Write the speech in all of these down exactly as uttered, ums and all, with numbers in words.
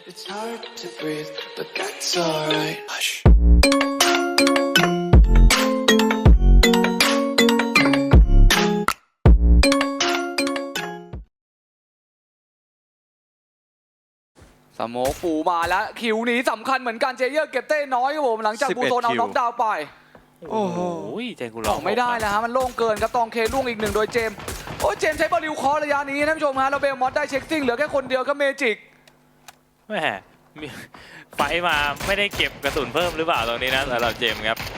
It's hard to breathe, but that's alright. Hush. สโมกปูมาแล้วคิวนี้สำคัญเหมือนกันเจเยอร์เก็บเต้น้อยครับผมหลังจากบูโซนเอาน็อกดาวน์ไปโอ้โหเจนกูอร้ออง กไม่ได้แล้วฮะมันโล่งเกินครับตองเคล่วงอีกหนึ่งโดยเจมส์โอ้ยเจมส์ใช้บอลลิวคอร์ระยะนี้ท่านผู้ชมฮะเราเบลมอสได้เช็คซิ่งเหลือแค่คนเดียวก็เมจิกแหมมีไฟมาไม่ได้เก็บกระสุนเพิ่มหรือเปล่าตรงนี้นะสำหรับเจมส์ครับ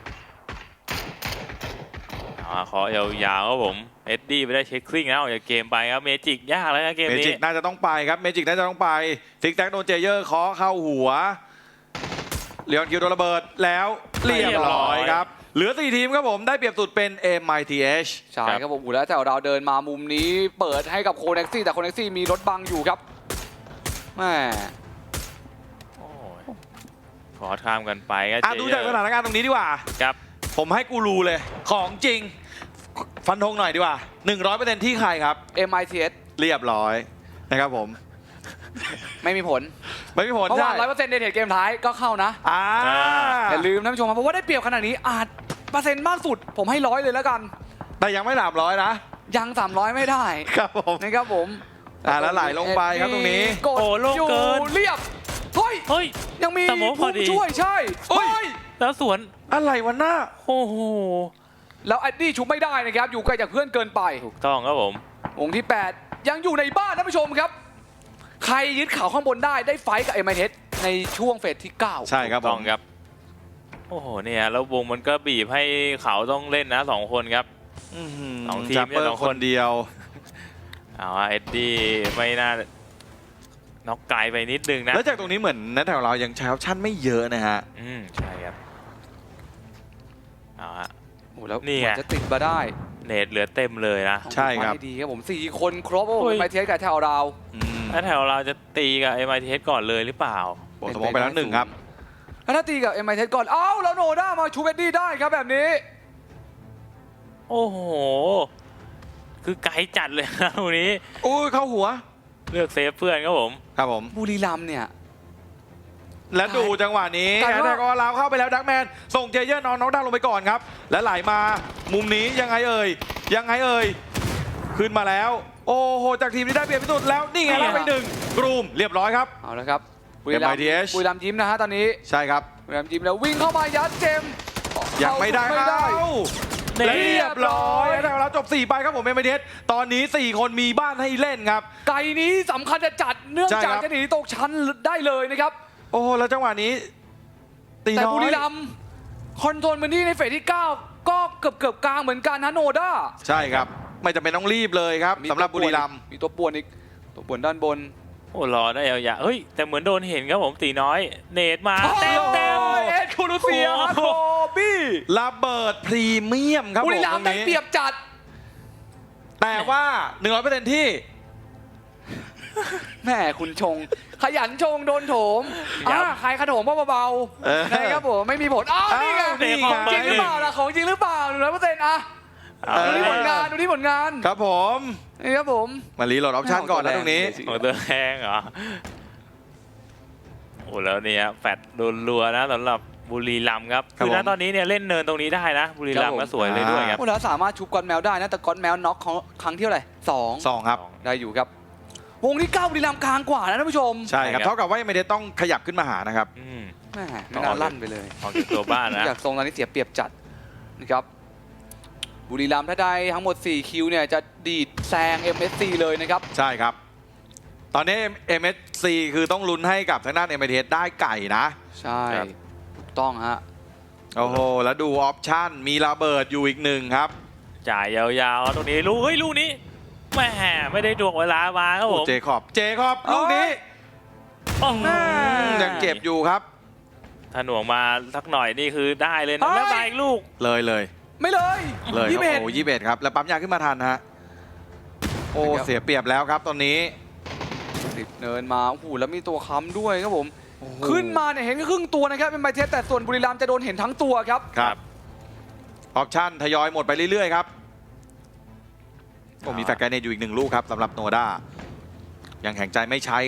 เอาขอยาวๆครับผมเอ็ดดี้ไปได้เช็คซิ่งแล้วออกจากเกมไปครับเมจิกยากแล้วนะเกมเมนี้จิกน่าจะต้องไปครับเมจิกน่าจะต้องไปซิกแซกโดนเจเยอร์เคาะเข้าหัวเลียนคิวโดนระเบิดแล้วเรียบร้อยครับเหลือสี่ทีมครับผมได้เปรียบสุดเป็น เอ็ม ไอ ที เอชใช่ครับผมอูแล้วแต่เราเดินมามุมนี้เปิดให้กับโคเน็กซี่แต่โคเน็กซี่มีรถบังอยู่ครับแม่โอ้ยขอข้ามกันไปครับอ่ะดูจากสถานการณ์ตรงนี้ดีกว่าครับผมให้กูรูเลยของจริงฟันธงหน่อยดีกว่า หนึ่งร้อยเปอร์เซ็นต์ ที่ใครครับเอ็ม ไอ ที เอสเรียบร้อยนะครับผมไม่มีผลไม่มีผลเพราะว่าใช่ร้อยเปอร์เซ็นต์ในเทรดเกมท้ายก็เข้านะอ่าอย่าลืมท่านผู้ชมครับเพราะว่าได้เปรียบขนาดนี้อาจเปอร์เซ็นต์มากสุดผมให้ร้อยเลยแล้วกันแต่ยังไม่หลามร้อยนะยังสามร้อยไม่ได้ครับผมนะครับผมอ่าแล้วไหลลงไปครับตรงนี้กดโอ้โล่งอยู่เกินเรียบเฮ้ยเฮ้ยยังมีสโมกพอดีผู้ช่วยใช่เฮ้ยเฮ้ยแล้วสวนอะไรวะหน้าโอ้โหแล้วแอดดี้ชุบไม่ได้นะครับอยู่ไกลจากเพื่อนเกินไปถูกต้องครับผมวงที่แปดยังอยู่ในบ้านท่านผู้ชมครับ ใครยึดเขาข้างบนได้ได้ไฟท์กับเอ็มไอเทสในช่วงเฟสที่เก้าใช่ครับถูกผต้อมงครับโอ้โหเนี่ยแล้ววงมันก็บีบให้เขาต้องเล่นนะสองคนครับอื้อหือสองทีมจัปเปอเนี่ยสอร์งคคนนเดียวเอาว่าเอ็ดดี้ไม่น่าน็อกไกลไปนิดนึงนะแล้วจากตรงนี้เหมือนนัทแถวเรายังใช้ออปชั่นไม่เยอะนะฮะอืมใช่ครับเอาฮะโอ้แล้วนี่ไงกว่าจะติดมาได้เนตเหลือเต็มเลยนะใช่ครับทำได้ดีครับผมสี่คนครบโอ้โอ้ยเอ็มไอเทสกับแถวเราอืมแล้วแถวเราจะตีกับ เอ็ม ไอ ที เอส ก่อนเลยหรือเปล่าโบสมองไปแล้วหนึ่งครับแล้วถ้าตีกับเอ็มไอเทสก่อนเอ้าแล้วโนด้ามาชูเบดดี้ได้ครับแบบนี้โอ้โห คือไกลจัดเลยนะตรงนี้อุ้ยเข้าหัวเลือกเซฟเพื่อนครับผมครับผมบุรีรัมย์เนี่ยแล้วดูจังหวะนี้แต่ว่าแต่ก็ลาวเข้าไปแล้วดักแมนส่งเจเยอร์นอนน้องดาวลงไปก่อนครับ และไหลมามุมนี้ยังไงเอ่ยยังไงเอ่ยขึ้นมาแล้ว โอ้โหจากทีมที่ได้เปรียบที่สุดแล้วนี่ไงรับไปหนึ่งกรูมเรียบร้อยครับเอาละครับบุรีรัมย์เอ็ม ไอ ที เอชบุรีรัมย์ยิ้มนะฮะตอนนี้ใช่ครับบุรีรัมย์ยิ้มแล้ววิ่งเข้ามายัดเจมส์ยังไม่ได้ไม่ได้เอ้าเรีและเรียบร้อยเรียบร้อยแล้วเราจบสี่ไปครับผมเอ็มไอทีเอสตอนนี้สี่คนมีบ้านให้เล่นครับไก่นี้สำคัญจะจัดเนื่องใช่จากครับจะหนีตกชั้นได้เลยนะครับโอ้โหแล้วจังหวะนี้ตีแต่น้อยบุรีรัมย์คอนโทรลพื้นที่ในเฟสที่เก้าก็เกือบเกือบๆกลางเหมือนกันนะโนด้าใช่ครับ ไม่จำเป็นต้องรีบเลยครับสำหรับบุรีรัมย์มีตัวป่วนอีกตัวป่วนด้านบนโอ้รอได้ยาวๆเฮ้ย แต่เหมือนโดนเห็นครับผมตีน้อย เนตมาเต็มเต็มโอ้ยเอ็ดคูรูเซียโอ้โคบี้ระเบิดพรีเมียมครับบุผมรีรัมย์ตได้งนี้เปรียบจัดแต่ว่า หนึ่งร้อยเปอร์เซ็นต์ ที่แม่คุณชง ขยันชงโดนโถมอ่าใครขนมเบาเออๆนะครับผมไม่มีผลอ้าวนี่ไงอ้าวนี่ของจริงไงหรือเปล่าล่ะของจริงหรือเปล่าหนึ่งร้อยเปอร์เซ็นต์อะเอาดูที่เลผลยงานดูที่ผลงานครับผมนี่ครับผมมารีโหลดออปชั่นก่อนนะตรงนี้ของตัวแห้งเหรอ โอ้แล้วเนี่ยแฟดโดนรัวนะสำหรับบุรีรัมย์ครับครับคือณผมตอนนี้เนี่ยเล่นเนินตรงนี้ได้นะ บุรีรัมย์ก็สวยเลยด้วยครับพวกเราสามารถชุบก้อนแมวได้นะแต่ก้อนแมวน็อกเขาครั้งที่เท่าไหร่สองสองครับได้อยู่ครับวงที่เก้าบุรีรัมย์กลางกว่านะท่านผู้ชมใช่ครับใช่ครับเท่ากับว่าไม่ได้ต้องขยับขึ้นมาหานะครับอืมแม่ไม่น่าลั่นไปเลยออกจากตัวบ้านนะอยากทรงตอนนี้เสียเปรียบจัดนะครับบุรีรัมย์ถ้าได้ทั้งหมดสี่คิวเนี่ยจะดีดแซง เอ็ม เอส ซี เลยนะครับใช่ครับ ตอนนี้ เอ็ม เอส ซี คือต้องลุ้นให้กับทางด้าน เอ็ม ไอ ที เอส ได้ไก่นะใช่ครับถูกต้องฮะโอ้โห แล้วดูออปชั่นมีระเบิดอยู่อีกหนึ่งครับจ่ายยาวๆตรงนี้ลูกเฮ้ยลูกนี้แหม่ไม่ได้ดวงเวลามาครับผมเจคอบ เจคอบลูกนี้โอ้โหยังเจ็บอยู่ครับถ้าหน่วงมาสักหน่อยนี่คือได้เลยนะแล้วมาอีกลูกเลยเลยไม่เลยเลยคยี่รับสิบเอ็ดโอ้ยี่สิบเอ็ดครับ แล้วปั๊มยาขึ้นมาทันฮะ โอ้ครับเสียเปรียบแล้วครับตอนนี้ติดเนินมาโอ้โหแล้วมีตัวค้ำด้วยครับผมโอ้โหขึ้นมาเนี่ยเห็นแค่ครึ่งตัวนะครับเป็นไบเทสแต่ส่วนบุรีรัมย์จะโดนเห็นทั้งตัวครับครับ ออปชั่นทยอยหมดไปเรื่อยๆครับผมมีแฟกไกเนตอยู่อีกหนึ่งลูกครับสำหรับโนด้ายังแข็งใจไม่ใช้ครับ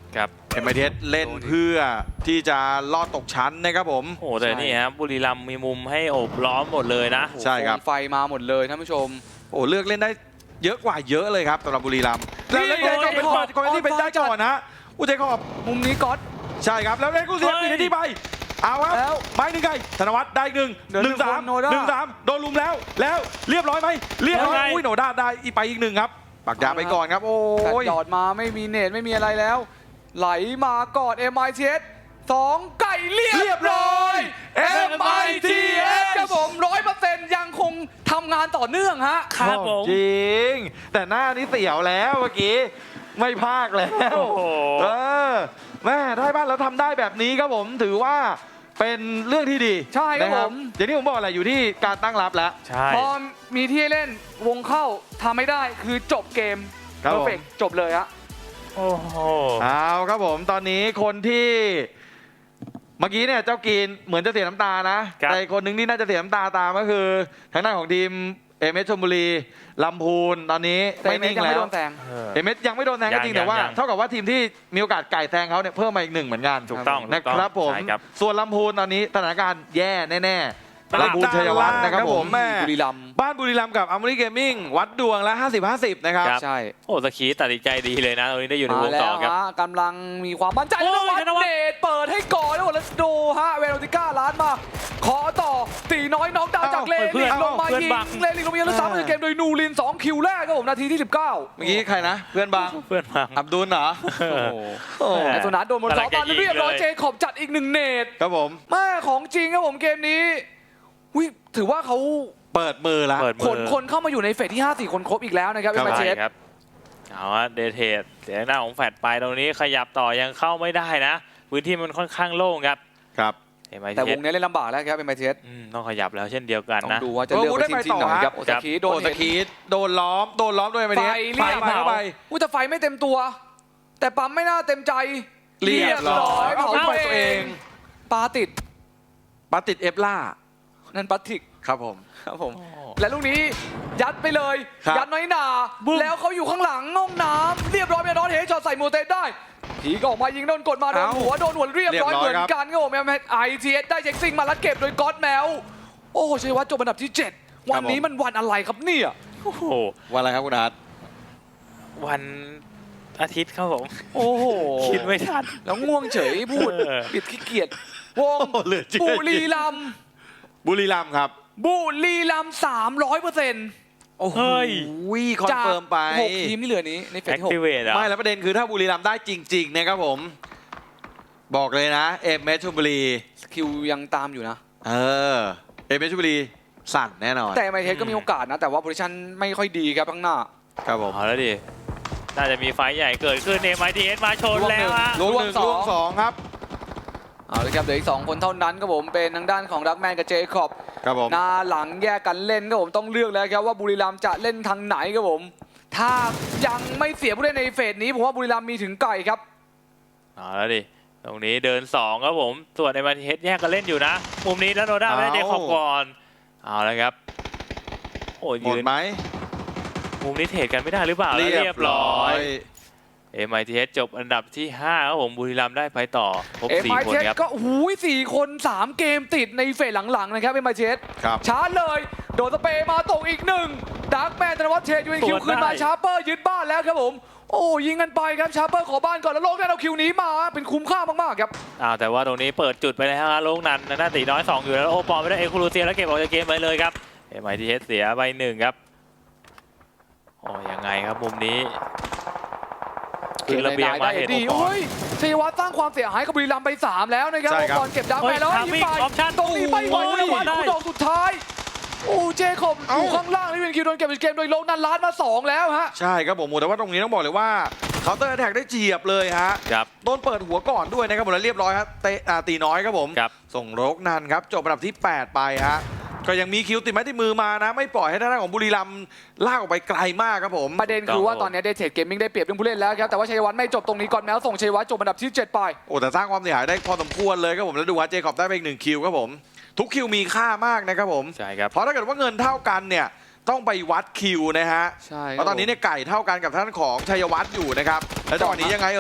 ครับเอ็มไอทีเอสเล่นเพื่อที่จะลอดตกชั้นนะครับผมโอ้แต่นี่ครับบุรีรัมย์มีมุมให้โอบล้อมหมดเลยนะโอ้โหใช่ครับโคมไฟมาหมดเลยท่านผู้ชมโอ้เลือกเล่นได้เยอะกว่าเยอะเลยครับสำหรับบุรีรัมย์แล้วเล่นเจคอบเป็นคนคนที่เป็นได้ก่อนนะอุเจคอบมุมนี้ก๊อตใช่ครับแล้วเล่นกูเสียเฮ้ยปิดที่ไปเอาครับแล้วไม้หนึ่งไก่ธนวัฒน์ได้อีกหนึ่งเดี๋ยวหนึ่งสามโนด้าหนึ่งสามโดนลุมแล้วแล้วเรียบร้อยไหมเรียบร้อยยังไงอุ้ยโนด้าได้อีกไปอีกหนึ่งครับปักยาไปก่อนครับโอ้กัดยจอดมาไม่มีเนตไม่มีอะไรแล้ว ไหลมากอด เอ็ม ไอ ที เอส สองไก่เรียเรียบบ ร้ร้ออย ยเอ็ม ไอ ที เอส ครับผมร้อยเปอร์เซ็นต์ยังคงทำงานต่อเนื่องฮะครับผมจริง แต่หน้านี้เสียวแล้วเมื่อกี้ไม่พากแล้วโอ้โหเออแม่ได้บ้านแล้วทำได้แบบนี้ครับผมถือว่าเป็นเรื่องที่ดีใช่ครับนะผมอย่างที่ผมบอกแหละอยู่ที่การตั้งรับแล้วใช่พอมีที่ให้เล่นวงเข้าทำไม่ได้คือจบเกมครับเพผมอร์เฟกจบเลยฮะโอ้โหเอาครับผมตอนนี้คนที่เมื่อกี้เนี่ยเจ้ากีนเหมือนจะเสียน้ำตานะครับแต่อีกคนหนึงที่น่าจะเสียน้ำตาตามก็คือทางด้านของทีมเอเมชลบุรีลำพูนตอนนี้แต่ไม่เมนิ่สงยังแล้ไม่วโดนแซงเออเอเมยังไม่โดนแซงก็จริงยังแต่ว่ายังเท่ากับว่าทีมที่มีโอกาสไก่แซงเขาเนี่ยเพิ่มมาอีกหนึ่งเหมือนกันถูกต้องนะถูกคต้รัองบผมใช่ครับส่วนลำพูนตอนนี้สถานการณ์แย่แน่ตๆลาดลำพูนชัยวัฒน์นะครับผมแม่บุรีรัมย์บ้านบุรีรัมย์กับอัมรีเกมมิ่งวัดดวงละห้าสิบ ห้าสิบนะครับครับใช่โอ้สกีตัดสินใจดีเลยนะตรงนี้ได้อยู่ในมาวงแล้ต่อวครับฮะกำลังมีความมั่นใจโอ้ยธนวัฒธนวัฒน์น์เดชเปิดให้ก่อนแล้วแล้วดูฮะเวโรติก้าล้านมาขอต่อตีน้อยน้องดาวจากเลเพื่ลิอนนลงมาเพื่อนยิงบังเลลินลงมายิงแล้วซ้ำในเกมโดยนูรินสองคิวแรกครับผมนาทีที่สิบเก้าเมื่อกี้ใครนะ เพื่อนบางเพื่อนมาอับดุลเหรอเออโอ้แหไอ้สุนัขโดนบนสองบอลเรียบร้อยเจคอบจัดอีกหนึ่งเนตครับผมแม่ของจริงครับผมเกมนี้วิถือว่าเขาเปิดมือแล้วเปิดมืขอนคนเข้ามาอยู่ในเฟสที่ห้าสี่คนครบอีกแล้วนะครับครัเอ็บม ไอ ที เอสใช่ครับเอาฮะเดทเทดเสียงหน้าของแฟดไปตรงนี้ขยับต่อยังเข้าไม่ได้นะ พื้นที่มันค่อนข้างโล่งครับครับเอ็มไอแต่ทีวงนี้เล่นลำบากแล้วครับเอ็ม ไอ ที เอสต้องขยับแล้วเช่นเดียวกันต้องนะดูว่าจะเลือกไปทีมที่ไหนครับโอซากิโดนโอซาเห็นกิโดนล้อมโดนล้อมด้วยไฟไฟเรียบเข้าไปอุ้ยแต่ไฟไม่เต็มตัว แต่ปั๊มไม่น่าเต็มใจเรียบร้อยเผาเอาไปตัตัว วเอเอง งปาติดปาติดเอฟล่านั่นปาติกครับผมครับผม และลูกนี้ยัดไปเลยครับยัดน้อยหนาบึ้มแล้วเขาอยู่ข้างหลังห้องน้ำเรียบร้อยเมียนอนเฮดช็อตใส่โมเตสได้ผีก็ออกมายิงโดนกดมาโดนเอ้าหัวโดนหัวเรียบร้อยเรียบร้อยเหมือนครับกันครับผมไอทีเอสได้เช็คซิงมาแล้วเก็บโดยก๊อตแมวโอ้ชัยวัฒน์จบอันดับที่เจ็ดวันนี้มันวันอะไรครับเนี่ยโอ้โหวันอะไรครับคุณอาร์ตวันอาทิตย์ครับผมโอ้โหคิดไม่ทันแล้วง่วงเฉยพูดเออปิดขี้เกียจวงโอ้เหลือเชื่อบุรีรัมย์บุรีรัมย์ครับบุรีรัมย์สามร้อยเปอร์เซ็นต์โอ้โหเฮ้ยคอนเฟิร์มไปหกทีมที่เหลือนี้ในเฟสแอคที่หกทีเวตอ่ะไม่แล้วประเด็นคือถ้าบุรีรัมย์ได้จริงๆนะครับผม บอกเลยนะ เอฟเมชลบุรีคิวยังตามอยู่นะเออ เอฟเมชลบุรีสั่นแน่นอนแต่ไมเทสก็มีโอกาสนะ แต่ว่าโพซิชันไม่ค่อยดีครับข้างหน้าครับผมเอาแล้วดิน่าจะมีไฟท์ใหญ่เกิดขึ้นเอ็มไอทีเอสมาชนแล้วฮะลูกหนึ่งล่วงสองลูกสองครับเอาเลยครับเหลืออีกสองคนเท่านั้นครับผมเป็นทางด้านของดักแมนกับเจคอบครับผมหน้าหลังแยกกันเล่นครับผมต้องเลือกแล้วครับว่าบุรีรัมย์จะเล่นทางไหนครับผม ถ้ายังไม่เสียผู้เล่นในเฟสนี้ผมว่าบุรีรัมย์มีถึงไก่ครับเอาแล้วดิตรงนี้เดินสองครับผมส่วนเอ็มไอทีเอสแยกกันเล่นอยู่นะ มุมนี้แล้วโนด้าไม่ได้เดคอบก่อนเอาแล้วครับโอ้ยหมดยืนไหมมุมนี้เทรดกันไม่ได้หรือเปล่าแล้วเรียบร้อย เอ็มไอทีเอสจบอันดับที่ห้าครับผมบุรีรัมย์ได้ไปต่อครบเอ็มสี่ไอคนเทสครับก็หูยสี่คนสามเกมติดในเฟสหลังๆนะครับเอ็มไอเทสครับชาร์จเลย โดนสเปรย์มาตกอีกหนึ่งดักแมนธนวัฒน์เทยูเอ็นคิวสวนได้ขึ้นมาชาร์เปอร์ยึดบ้านแล้วครับผม โอ้ยิงกันไปครับชาร์เปอร์ขอบ้านก่อนแล้วโลกได้เอาคิวนี้มาเป็นคุ้มค่ามากๆครับอ้าวแต่ว่าตรงนี้เปิดจุดไปแล้วฮะโลกนันหน้าตีน้อยสองอยู่แล้วโอปอลไม่ได้เอคูลูเซียแล้วเก็บออกจากเกมไปเลยครับเอ็มไอทีเอสเสียไปหนึ่งครับโอ้ยังไงครับมุมนี้ขึ้นระเบียงมาเห็นดีโอปอลโอ้ยชัยวัฒน์สร้างความเสียหายกับบุรีรัมย์ไปสามแล้วนะครับใช่ครับก่อนเก็บดักเฮ้แมยนแล้วทำยิงวิ่งไปออปชั่นตรงนี้ไม่ไหวโอ้ธยนวัฒน์ได้ดอกสุดท้ายโอ้เจคอบอยู่ข้างล่างนี่เป็นคิวโดนเก็บเป็นเกมโดยโลกนันล้านมาสองแล้วฮะใช่ครับผมแต่ว่าตรงนี้ต้องบอกเลยว่าเคาน์เตอร์แท็กได้เจียบเลยฮะครับโดนเปิดหัวก่อนด้วยนะครับผมแล้วเรียบร้อยครับเตะอ่าตีน้อยครับผมครับส่งโรกนันครับจบอันดับที่แปดไปฮะก็ยังมีคิวติดไม้ติดมือมานะ ไม่ปล่อยให้ทางด้านของบุรีรัมย์ลากออกไปไกลมากครับผมประเด็นคือว่าตอนนี้เดทเทรดเกมมิ่งได้เปรียบเรื่องผู้เล่นแล้วครับแต่ว่าชัยวัฒน์ไม่จบตรงนี้ก่อนแมวส่งชัยวัฒน์จบอันดับที่เจ็ดไปโอ้แต่สร้างความเสียหายได้พอสมควรเลยครับผมแล้วดูว่าเจคอบได้ไปอีกหนึ่งคิวครับผมทุกคิวมีค่ามากนะครับผมใช่ครับเพราะถ้าเกิดว่าเงินเท่ากันเนี่ยต้องไปวัดคิวนะฮะใช่เพราะตอนนี้เนี่ยไก่เท่ากันกับท่านของชัยวัฒน์อยู่นะครับแล้วจังหวะนี้ยังไงเอ่ย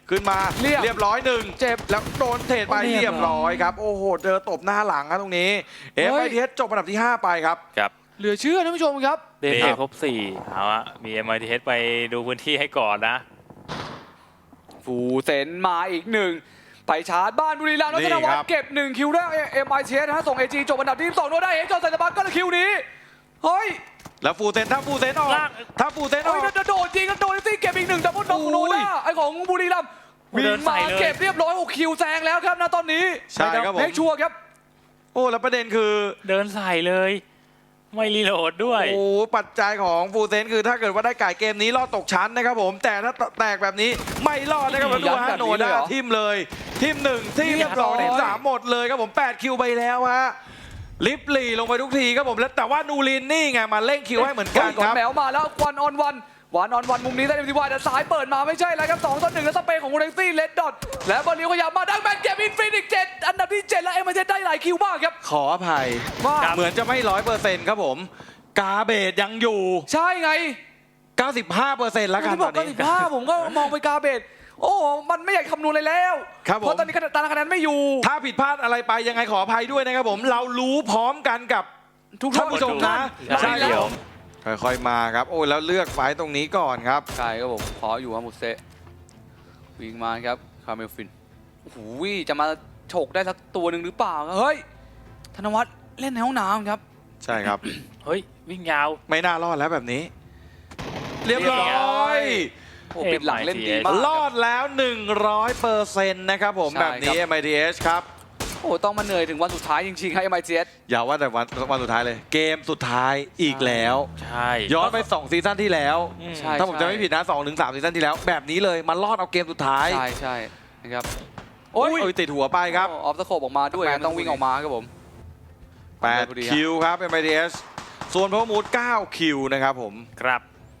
ขึ้นมาเรียบเรียบร้อยหนึ่งเจ็บแล้วโดนเทรดไปเรียบเรียบร้อยครับ โอ้โหเจอตบหน้าหลังครับตรงนี้เฮ้เอย ฟไอทีเอสจบอันดับที่ห้าไปครับครับเหลือเชื่อท่านผู้ชมครับเดย์ครบสี่เอาอะมี เอ็ม ไอ ที เอส ไปดูพื้นที่ให้ก่อนนะฟูเซนมาอีกหนึ่งไปชาร์จบ้านบุรีรัมย์แล้วนี่ธนวัฒครับน์เก็บหนึ่งคิวได้เอ็มไอทีเอสนะฮะส่งเอจีจบอันดับที่สองโดนได้เอจอสันตบักก็คิวนี้เฮ้ยแล้วฟูเซนถ้าฟูเซนออกลากถ้าฟูเซนอเฮ้อย กโดนจริงก็โดนซี่เก็บอีกหนึ่งดับเบิลน็อกของโนด้าไอของบุรีรัมย์โอ้วิ่เดิงนใส่มาเลยเก็บเรียบร้อยหกคิวแซงแล้วครับนะตอนนี้ใช่ครับผมเมคชัวร์ครับโอ้แล้วประเด็นคือเดินใส่เลย ไม่รีโหลดด้วยโอ้ปัจจัยของฟูเซนคือถ้าเกิดว่าได้ไก่เกมนี้รอดตกชั้นนะครับผมแต่ถ้าแตกแบบนี้ไม่รอดนะครับอืมดูยัฮะดแบบโนนี้เลยด้าเหรอทิมเลยทิมหนึ่งทิมเรียบร้อยสองทิมสามหมดเลยครับผมแปดคิวไปแล้วฮะลิฟลีลงไปทุกทีครับผมแล้วแต่ว่านูรินนี่ไงมาเร่งคิวให้เหมือนกันก่อคน รับแมวมาแล้ววันออนวันวันออนวันมุมนี้ได้เอ็มทีวายแต่สายเปิดมาไม่ใช่แล้วครับสองต่อหนึ่งแล้วสเปนของมูเรนซี่เลดดอทและบอลลิวขยับมาดังแมนเก็บอินฟินิกเจ็ดอันดับที่เจ็ดแล้วเอ็มไอเได้หลายคิวมากครับขออภัยว่าครับเหมือนจะไม่ร้อยเปอร์เซ็นต์ครับผมกาเบตยังอยู่ใช่ไงเก้าสิบห้าเปอร์เซ็นต์แล้วกันที่บตออก นก็นี้สิบห้าผมก็มองไปกาเบตโอ้ มันไม่อยากคำนวณเลยแล้วครับผมเพราะตอนนี้ตารางคะแนนไม่อยู่ถ้าผิดพลาดอะไรไปยังไงขออภัยด้วยนะครับผมเรารู้พร้อมกันกับทุกท่านผู้ชมนะใช่แล้เดี๋ยว วค่อยๆมาครับโอ้ยแล้วเลือกไฟต์ตรงนี้ก่อนครับใช่ครับผมขออยู่ครับมุเซะวิ่งมาครับคาร์เมลฟินโอ้โหจะมาฉกได้สักตัวหนึ่งหรือเปล่าเฮ้ยธนวัฒน์เล่นในห้องน้ำครับใช่ครับเฮ้ย วิ่งยาวไม่น่ารอดแล้วแบบนี้ เรียบร้อยโอ้ปิดหลังเล่นดีมากรอดแล้ว หนึ่งร้อยเปอร์เซ็นต์ นะครับผมใช่แบบนี้ครับเอ็ม ไอ ที เอส ครับโอ้ต้องมาเหนื่อยถึงวันสุดท้ายจริงๆครับ เอ็ม ไอ ที เอสอย่าว่าแต่วันวันสุดท้ายเลย เกมสุดท้ายอีกแล้วใช่ย้อนไปสองซีซั่นที่แล้วอืมใช่ถ้าผมจะไม่ผิดนะสองถึงสามซีซั่นที่แล้ว แบบนี้เลยมารอดเอาเกมสุดท้ายใช่ใช่นะครับโอ้ยติดหัวไปครับออฟสโคปออกมาด้วยแปดต้องวิ่งออกมาครับผมแปดพอดีฮะคิวครับ เอ็ม ไอ ที เอส ส่วนพาวมูดเก้าคิวนะครับผมครับ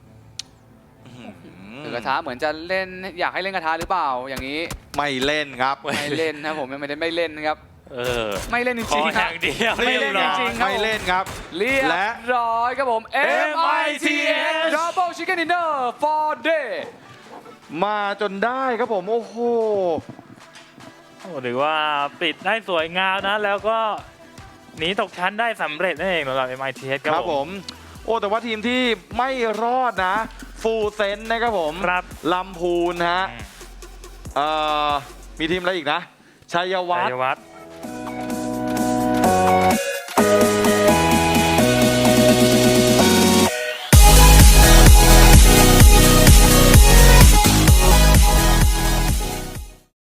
ถือกระทะเหมือนจะเล่นอยากให้เล่นกระทะหรือเปล่าอย่างนี้ไม่เล่นครับไม่เล่นนะผมยังไม่ได้ไม่เล่นนะครับเออไม่เล่นจขอริงอๆครัย่าบงเดียวไม่เล่นรียบจอริงๆไม่เล่นครับเรียและบร้อยครับผม เอ็ม ไอ ที เอส Double Chicken Dinner for Day มาจนได้ครับผม โอ้โหโอ้ถือว่าปิดได้สวยงามนะ แล้วก็หนีตกชั้นได้สำเร็จนั่นเองสำหรับ เอ็ม ไอ ที เอส คครัรับบ ผผมม โอ้ แต่ว่าทีมที่ไม่รอดนะ ฟูลเซนนะครับผมครับลำพูนฮะอืมเอ่อ มีทีมอะไรอีกนะ ชัยวัชัฒยน์วัฒน์